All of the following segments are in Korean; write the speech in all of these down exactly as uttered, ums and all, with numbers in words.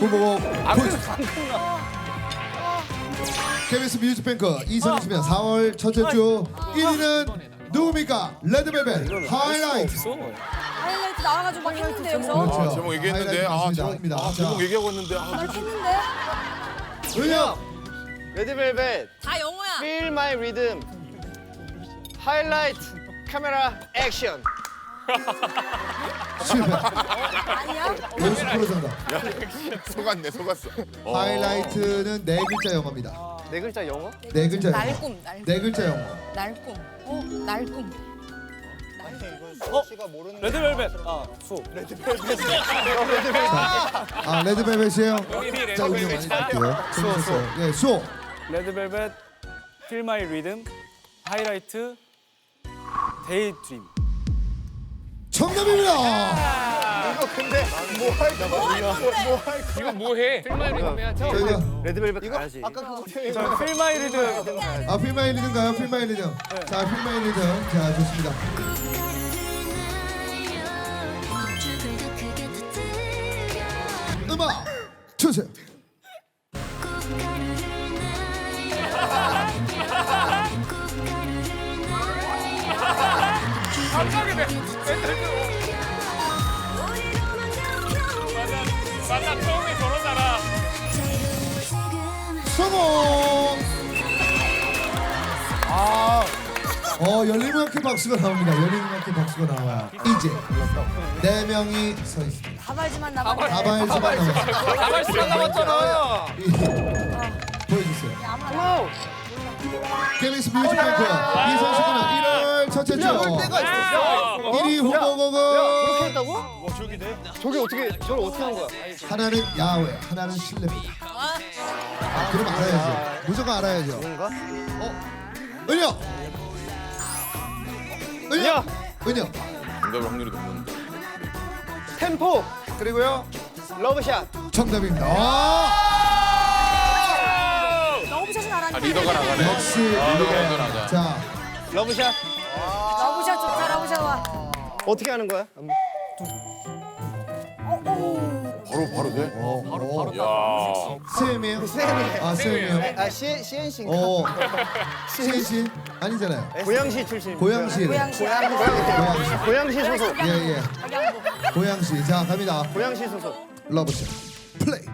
후보곡 안 보여주세요. 끝나, 안 끝나. 케이비에스 뮤직뱅크 이천이십년 사월 첫째 주 일 위는 누굽니까? 레드벨벳 하이라이트. 없어. 하이라이트 나와가지고 막 했는데 여기서. 그렇죠. 아, 제목 얘기했는데 아, 하이라이트 제목, 맞습니다. 아, 자, 제목 얘기하고 있는데 아, 날 했는데? 은혁 레드벨벳 다 영어야. Feel My Rhythm 하이라이트 카메라 액션. 실패. 아니야? 오십 퍼센트 정답. 속았네 속았어. 어. 하이라이트는 네 글자 영어입니다. 네 글자 영어? 네 글자 영어. 날꿈, 날꿈. 네 글자 영어. 날꿈. 어, 날꿈. 어? 씨가 모르는 레드벨벳. 아, 수. 아 레드벨벳이에요? 이미 자 은혁 많이 갈게요. 재밌었어요. 예 수호. 레드벨벳, Feel My Rhythm, 하이라이트, 데이드림. 정답입니다. 이거 근데 뭐할 거야? 이거 뭐해? 필마이 리듬 해야지. 저희가 레드벨벳 이거 가야지. 아까 그거 자, Feel My Rhythm. 아 필마이 리듬가요? 필마이 리듬. 자 필마이 리듬. 자 좋습니다. 음악 주세요. 갑자기 내 맞아 처음에 저러잖아. 성공. 아, 어 열리만큼 박수가 나옵니다. 열리만큼 박수가 나와요. 이제 네 명이 서 있습니다. 가발지만 나가. 가발지만 남았습니다. 가발 시간 남았잖아. 보여주세요. 아무나. 케이비에스 뮤직뱅크 이천십구년 일월 첫째 주 일 위 후보곡은 그렇게 했다고? 와 저기 돼? 저게 어떻게 저걸 어떻게 한 거야? 하나는 야외, 하나는 실내입니다. 아, 그럼 알아야죠. 무조건 알아야죠. 뭔가? 어, 은혁, 은혁, 은혁. 정답일 확률이 높은데. 템포 그리고요 러브샷. 정답입니다. 아, 러브샷은 아, 알았는데. 리더가 나가네. 역시 리더가 먼저 리더. 나가. 자, 러브샷 러브샷 좋다, 러브샷 와. 어떻게 하는 거야? 바로 바로 돼? 어, 바로 야. 쌤이에요? 쌤이네. 아, 쌤이에요? 아 시 씨엔씨인가? 어, 시엔씨 아니잖아요. 고양시 출신. 고양시. 고양시. 고양시. 고양시 소속. 예, 예. 고양시. 자, 갑니다. 고양시 소속. 러브샷. 플레이.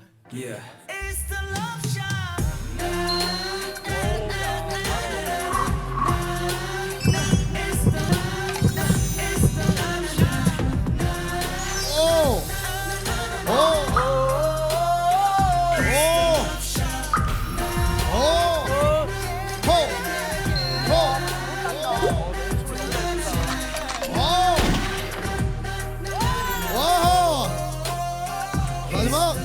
오! 오! 오! 오! 호! 호! 오! 와! 마지막!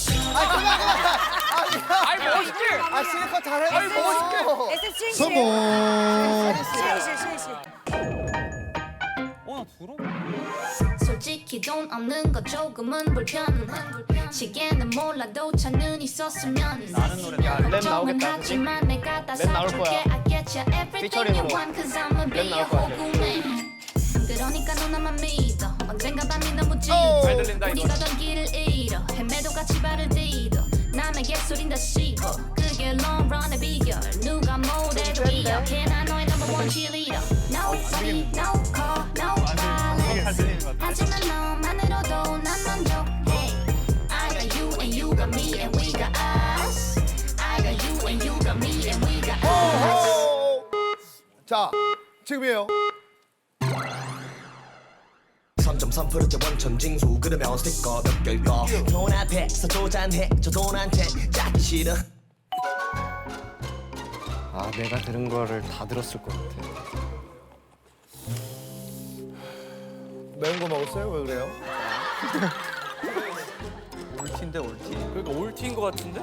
아이 멋있게. 아 실컷 잘해. 아이 멋있게. 에스에프 시엔씨. 성공! 시엔씨, 시엔씨. 어, 나 들어? 솔직히 돈 없는 거 조금은 불편해 시계는 몰라도 차는 있었으면 나는 노래 야, 랩 나오겠다. 그치? 하지만 내가 다 랩 나올 사줄게 거야. I get you everything you 피처링으로. want Cause I'ma be 랩 your 나올 거야, whole woman 그러니까 너나만 믿어 언젠가 밤이 너무 짙어 잘 들린다, 이거. 우리가 던 길을 잃어 헤매도 같이 발을 디뎌 남의 개소린 다 씹어 그게 long run의 비결 누가 뭐래도 이겨 걔나 너의 number one cheerleader Nobody, no call, no violence 하지만 너만으로도 난 만족해 I got you and you got me and we got us I got you and you got me and we got us 자, 지금이에요. 삼 점 삼 퍼센트 원천 징수 그러면 스티커 몇 개일까 돈 앞에서 도전해 저 돈한테 짜기 싫어 아 내가 들은 거를 다 들었을 것 같아. 매운 거 먹었어요? 왜 그래요? 올티인데, 올티. 그러니까 올티인 것 같은데?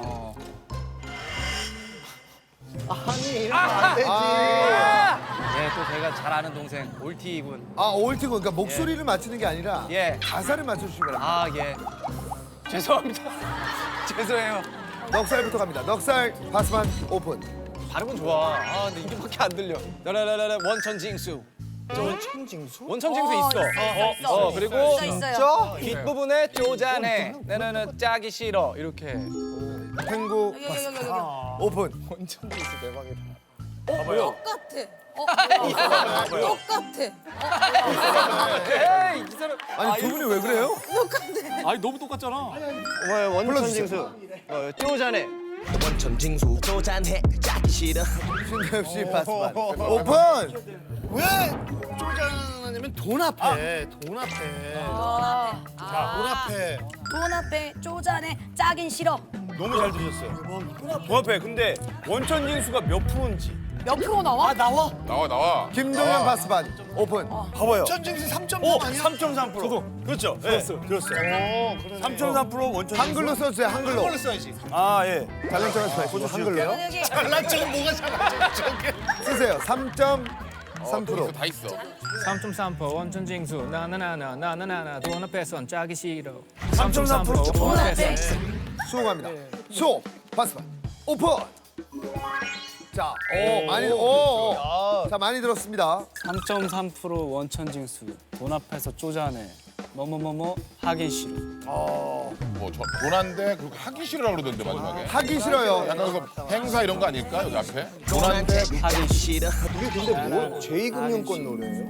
아니 이러면 안 되지. 예, 또 제가 잘 아는 동생, 올티군. 아, 올티고 그러니까 목소리를 맞추는 게 아니라 예. 가사를 맞춰주시면 됩니다. 아, 예. 죄송합니다. 죄송해요. 넉살부터 갑니다. 넉살 바스만 오픈. 발음은 좋아. 아, 근데 이게밖에 안 들려. 라라라라 원천 징수. 원천징수? 원천징수 어, 있어. 있어, 있어. 어, 그리고 있어 있어요. 뒷부분에 쪼잔해. 나는 짜기 싫어. 이렇게. 탱고 여기 여기 여기 여기. 오픈. 원천징수 대박이다. 똑같아. 어, 똑같아. 에이, 이 사람. 아니 두 분이 왜 그래요? 똑같아. 아니 너무 똑같잖아. 뭐 원천징수? 어, 쪼잔해. 원천징수 쪼잔해 짜기 싫어 신대엽 씨 바스반. 오픈. 왜 쪼잔하냐면 돈 앞에, 돈 앞에. 아, 돈 앞에. 돈 앞에 쪼잔해 짜긴 싫어. 너무 잘 들으셨어요. 돈 앞에. 근데 원천징수가 몇 프로인지. 몇 프로 나와? 나와. 나와 나와. 김동현 바스반. 오픈. 봐봐요. 원천징수 삼 점 삼 아니야? 삼 점 삼 퍼센트. 저도. 그렇죠. 들었어요. 들었어요. 삼 점 삼 퍼센트 원천징수. 한글로 써주세요. 한글로. 한글로 써야지. 아, 예. 잘난 척하지 마시고 한글로 여기 잘난 척은 뭐가 잘난 척. 쓰세요. 삼 점 삼 또 퍼센트. 있어, 다 있어. 삼 점 삼 퍼센트 원천징수 나나나나 나나나나 돈 앞에선 짜기 싫어. 삼 점 삼 퍼센트 돈 앞에. 수고합니다. 수 바스반. 오픈. 자, 오 많이 오. 오. 자 많이 들었습니다. 삼 점 삼 퍼센트 원천징수 돈 앞에서 쪼잔해. 뭐뭐뭐뭐 하기 싫어. 뭐저 도난데 그렇게 하기 싫으라고 그러던데 마지막에. 하기 싫어요. 약간 그 행사 이런 거 아닐까 여기 앞에? 도난데 짜기 싫어 이게 근데 뭐 제이금융권 노래예요?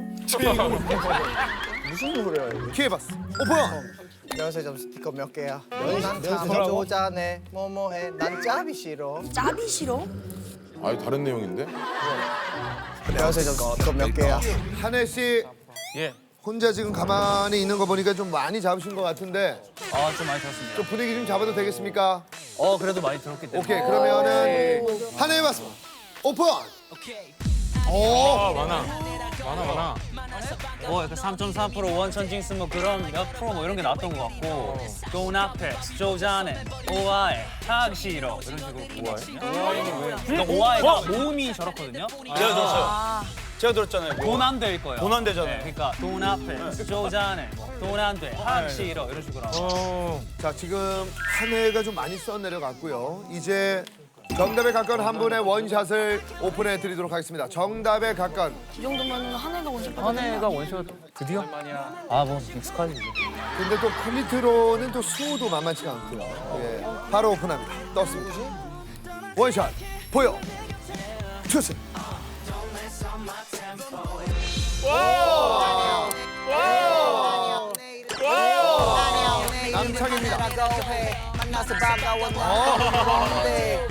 무슨 노래야 이거? 기회 봤어. 오픈. 연세 점 스티커 몇 개야? 난참 쪼잔해 뭐뭐해 난 짭이 싫어. 짭이 싫어? 아유 다른 내용인데? 연세 점 스티커 몇 개야? 한혜 씨 예. 혼자 지금 가만히 있는 거 보니까 좀 많이 잡으신 것 같은데 아 좀 많이 들었습니다. 좀 분위기 좀 잡아도 되겠습니까? 어 그래도 많이 들었기 때문에. 오케이 그러면은 한혜 봤습니다. 오픈. 어 많아. 많아 많아. 뭐 약간 삼 점 삼 퍼센트 원천징수 뭐 그런 몇 프로 뭐 이런 게 나왔던 것 같고 돈 앞에 쪼잔해 오아해 하기 싫어 이런 식으로 오아해? 그러니까 오아해가 모음이 저렇거든요. 제가 들었어요. 제가 들었잖아요. 돈 안 될 거예요. 돈 안 되잖아요. 네, 그러니까 돈 앞에 쪼잔해 돈 안 돼 하기 싫어 이런 식으로 나와요. 자 지금 한혜가 좀 많이 써 내려갔고요. 이제 정답에 가까운 한 분의 원샷을 오픈해 드리도록 하겠습니다. 정답에 가까운. 이 정도면 한 해가 원샷 받아. 한 해가 원샷 드디어? 아뭐 익숙하지 이제. 근데 또 퀄리티로는 또 수호도 만만치가 않고요. 예, 바로 오픈합니다. 떴습니다. 원샷 보여 주세요. 남창입니다. 만나서 반가웠는데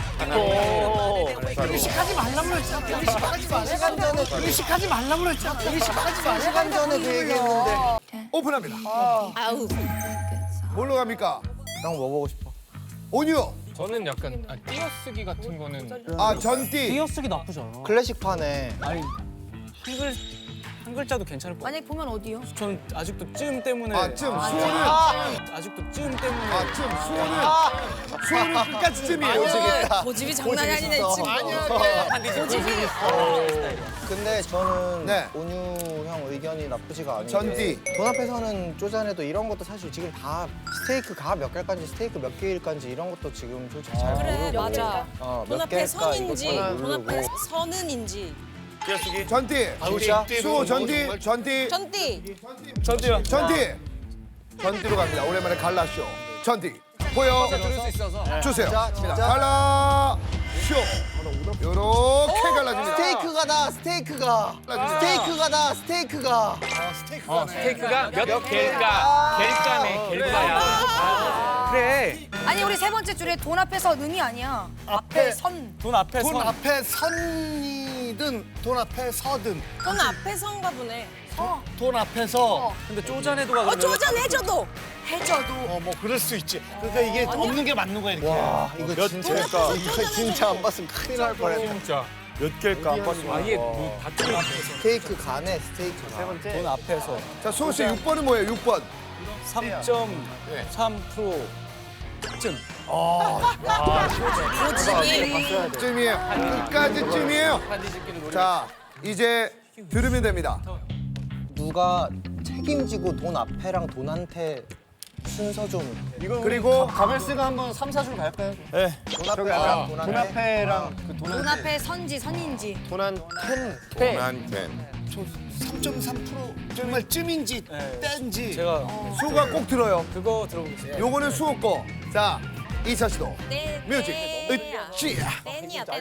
의식하지 말라고 그랬잖아. 의식하지 마. 시간 전에 의식하지 말라고 그랬잖아. 의식하지 마. 시간 전에 그 얘기했는데 오픈합니다. 아우. 뭘로 갑니까? 형 뭐 보고 싶어? 온유. 저는 약간 아, 띄어쓰기 같은 거는 아 전띠. 띄어쓰기 나쁘지 않아. 클래식판에 아니 한글 한 글자도 괜찮을 것 같아. 만약 보면 어디요? 저는 아직도 쯤 때문에 아 쯤. 수호는 아직도 쯤 때문에 아 쯤. 수호는 수호는 끝까지 쯤이에요. 고집이 장난이 아니네 지금. 고집이. 근데 저는 네. 온유 형 의견이 나쁘지가 않은 전띠. 게 돈 앞에서는 쪼잔해도 이런 것도 사실 지금 다 스테이크 가 몇 개일까지 스테이크 몇 개일까지 이런 것도 지금 솔직히 잘 그래 모르고 맞아. 어, 돈 몇 앞에 개일까 선인지 이것도 돈 앞에 모르고 선은인지. 띄어쓰기. 전띠. 진짜? 수호 전띠. 전띠. 전띠. 전지요. 전띠. 전띠로 갑니다. 오랜만에 갈라쇼. 전띠. 보여 들을 수 있어서. 주세요. 진짜? 진짜? 갈라쇼. 요렇게 갈라집니다. 스테이크가 나 스테이크가 스테이크가 나 스테이크가 어, 스테이크가 몇 개일까? 개일까네, 개일까야. 그래. 아니 우리 세 번째 줄에 돈 앞에서 는이 아니야. 앞에 선. 돈 앞에 돈 선. 앞에 선이든 돈 앞에 서든 돈 앞에 선가 보네. 어. 돈 앞에서 근데 쪼잔해도가 어 그러면 쪼잔해져도 해져도. 어 뭐 그럴 수 있지. 그러니까 이게 없는 게 맞는 거야 이렇게. 와 이거 몇 진짜 개일까? 이거 진짜 안 봤으면 큰일 날 뻔했다. 진짜. 몇 개일까 안 봤으면. 아예 뭐 다툼이 스테이크 가네 스테이크가 돈 앞에서 자, 수호 씨 육 번은 뭐예요? 육 번. 삼 점 삼 퍼센트 쯤. 고집이. 쯤이에요. 끝까지 쯤이에요. 자, 이제 들으면 됩니다. 누가 책임지고 돈 앞에랑 돈한테 순서 좀 그리고 가벨스가 한번 삼, 사 줄 갈까요? 네. 돈 앞에랑 돈한테 돈 앞에랑 돈 앞에 선지 선인지. 돈한 텐. 도난텐. 삼 점 삼 퍼센트 정말 찜인지 땐지. 제가 수호가 꼭 들어요. 그거 들어보겠습니다. 요거는 수호 거. 자, 이차 시도. 네, 뮤직. 네. 으쌰. 댄이야 댄.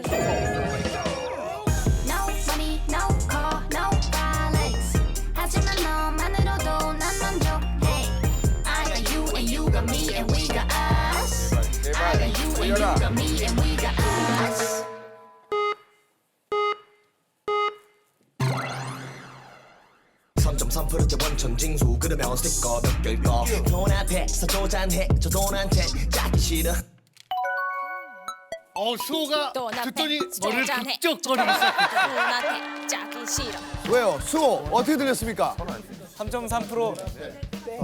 No money, no car, no violence. 하지만 너만으로도 난 만족해. I got you and you got me and we got us. I got you and you got me and we got us. 삼 점 삼 퍼센트 원천 징수 그러면 스티커 몇 개일까 돈 앞에서 조잔해 저 돈한테 짜기 싫어 어 수호가 돈 앞에 듣더니 머리를 쪼잔해. 극적거리고 있어. 누나한테 짜기 싫어. 왜요? 수호 어떻게 들렸습니까? 삼 점 삼 퍼센트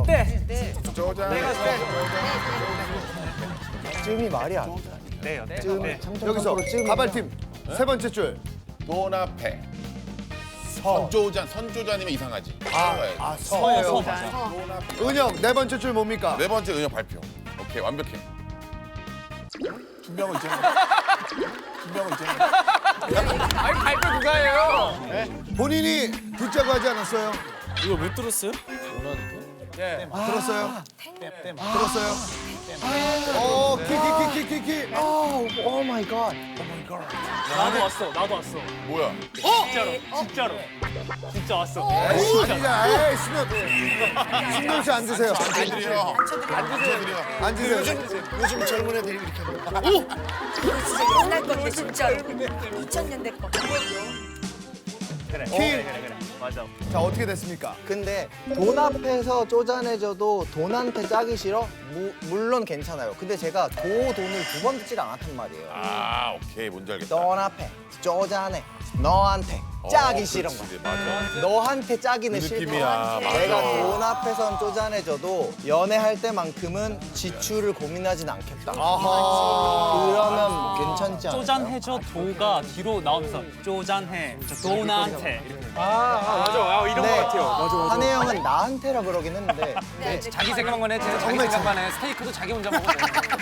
쯤이 말이 안 돼. 네요. 네. 쯤 네. 삼 점 삼 여기서 퍼센트 쯤이면 가발팀 세 번째 줄. 돈 앞에 선조잔 선조잔이면 이상하지. 아, 서야지. 아 서예요. 은영 네 번째 줄 뭡니까? 네 번째 은영 발표. 오케이 완벽해. 준비한 거 있잖아. 준비한 거 있잖아. 아니 발표 누가 해요? 본인이 듣자고 하지 않았어요? 이거 못 들었어요? 예. 들었어요? 들었어요? 오, 키키키키키키. 오, 오 마이 갓. 나도 왔어. 나도 왔어. 뭐야? 진짜로. 진짜로. 진짜 왔어. 아니야, 에이, 신경. 신경 씨 앉으세요. 안 드려. 안 드려. 앉으세요. 요즘 요즘 젊은 애들이 이렇게 합니다. 이거 진짜 옛날 건데 진짜로. 이천 년대 거. 그래. 키. 그래 그래 그래. 맞아. 자, 어떻게 됐습니까? 근데 돈 앞에서 쪼잔해져도 돈한테 짜기 싫어? 무, 물론 괜찮아요. 근데 제가 그 돈을 두 번 듣질 않았단 말이에요. 아 오케이 뭔지 알겠다. 돈 앞에 쪼잔해. 너한테 짜기 어, 싫은 그렇지, 거. 맞아. 너한테 짜기는 그 싫다. 느낌이야, 맞아. 내가 돈 앞에선 쪼잔해져도 연애할 때만큼은 지출을 고민하진 않겠다. 그러면 괜찮지 않아요? 쪼잔해져 도가 뒤로 나오면서 쪼잔해. 저 도나한테. 이렇게. 아, 아 맞아. 아, 이런 네. 거 같아요. 맞아 맞아. 한혜 형은 나한테라 그러긴 했는데 네, 자기 생각만 해. 쟤는 자기 생각만 해. 스테이크도 자기 혼자 먹어.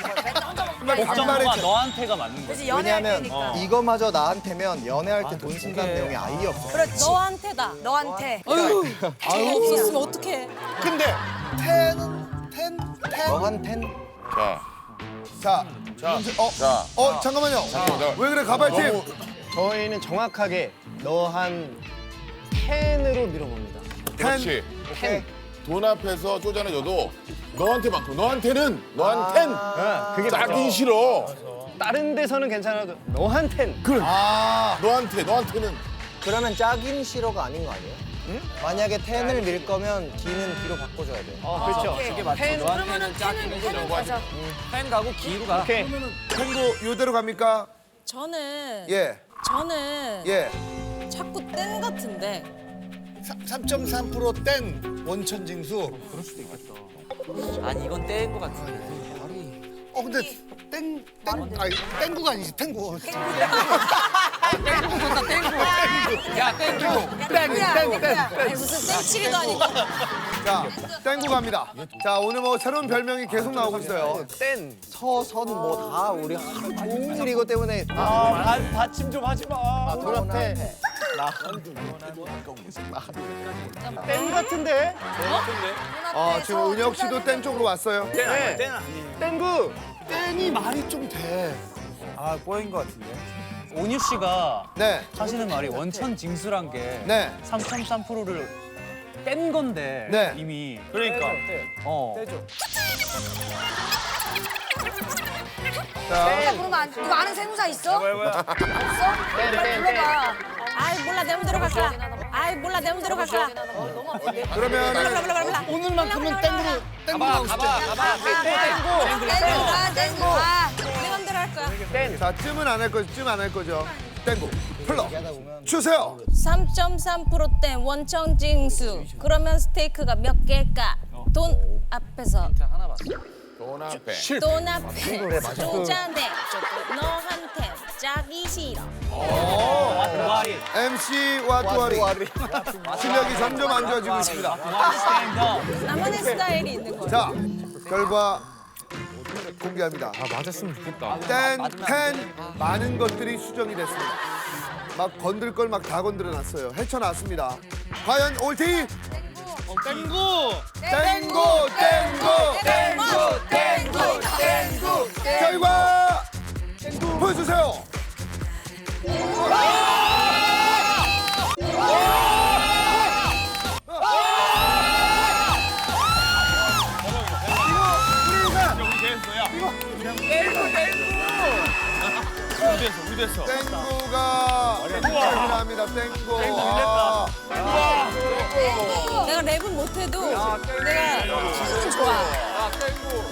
복정보가 너한테가 맞는 거야. 그래서 연애할 왜냐면 때니까. 이거마저 나한테면 연애할 때 돈 쓴다는 내용이 아예 없어. 그렇지. 너한테다. 너한테. 아유. 없었으면 어떡해. 근데 텐은 텐 텐. 너한텐 자, 자, 자, 어, 자. 어, 잠깐만요. 잠깐만, 왜 그래, 가발팀? 너무- 저희는 정확하게 너 한 텐으로 밀어봅니다. 그렇지. 텐. 돈 앞에서 쪼잔해져도 너한테만큼 너한테는 너한텐 그게 짜기 싫어. 다른 데서는 괜찮아도 너한텐. 아, 너한테 너한테는 그러면 짜긴 싫어가 아닌 거 아니에요? 만약에 텐을 밀 거면 기는 기로 바꿔줘야 돼. 어 그렇죠. 그게 맞죠. 그러면은 펜은 펜은 가자. 펜 가고 기로 가. 오케이. 탱고 요대로 갑니까? 저는 예, 저는 예. 자꾸 땐 같은데 삼 점 삼 퍼센트 땐 원천 징수. 아니 이건 떼인 거 같은데. 어 근데 땡땡 아니 땡구가 아니지 땡구. 야 땡큐. 아니 무슨 땡치기도 아니고 자, 땡구 갑니다. 자, 오늘 뭐 새로운 별명이 계속 나오고 있어요. 서선 뭐 다 우리 하루 종일 이거 때문에 아 받침 좀 하지 마. 돈 앞에 땡 같은데? 아, 지금 은혁 씨도 땡 쪽으로 왔어요. 네. 땡구. 땡이 말이 좀 돼. 아 꼬인 거 같은데. 온유 씨가 네, 하시는 말이 원천 징수란 게 네. 삼 점 삼 퍼센트를 뗀 건데 네. 이미. 그러니까. 어. 자, 자, 그러면 안, 이거 아는 세무사 있어? 뭐야 뭐야. 없어? 그래, 불러봐. 아이 몰라 내 맘대로 갈까 아이 몰라 내 맘대로 갈까 그러면 몰라 몰라 몰라 오늘만큼은 땡구로 땡구 가고 싶다. 땡구 가, 땡구 가. 내 맘대로 할 거야 자, 쯤은 안 할 거죠. 쯤 안 할 거죠. 땡구 풀러 주세요. 삼 점 삼 퍼센트 땐 원천 징수 그러면 스테이크가 몇 개일까 돈 앞에서 돈 앞에 돈 앞에 쪼잔해 너한테 짜기 싫어 두아리. 엠씨와 두아리 실력이 점점 안 좋아지고 있습니다. 두아리 스탠드. 나만의 스타일이 있는 거야 자, 결과 공개합니다. 아 맞았으면 좋겠다. 땡, 텐 많은 것들이 수정이 됐습니다. 막 건들 걸 막 다 건드려 놨어요. 헤쳐놨습니다. 과연 올티? 땡구. 땡고 땡고 땡고 땡고 땡고 결과 보여주세요. 우리 됐어. 땡고가 termin합니다. 땡고. 아. 내가 랩은 못해도 내가 춤은 좋아.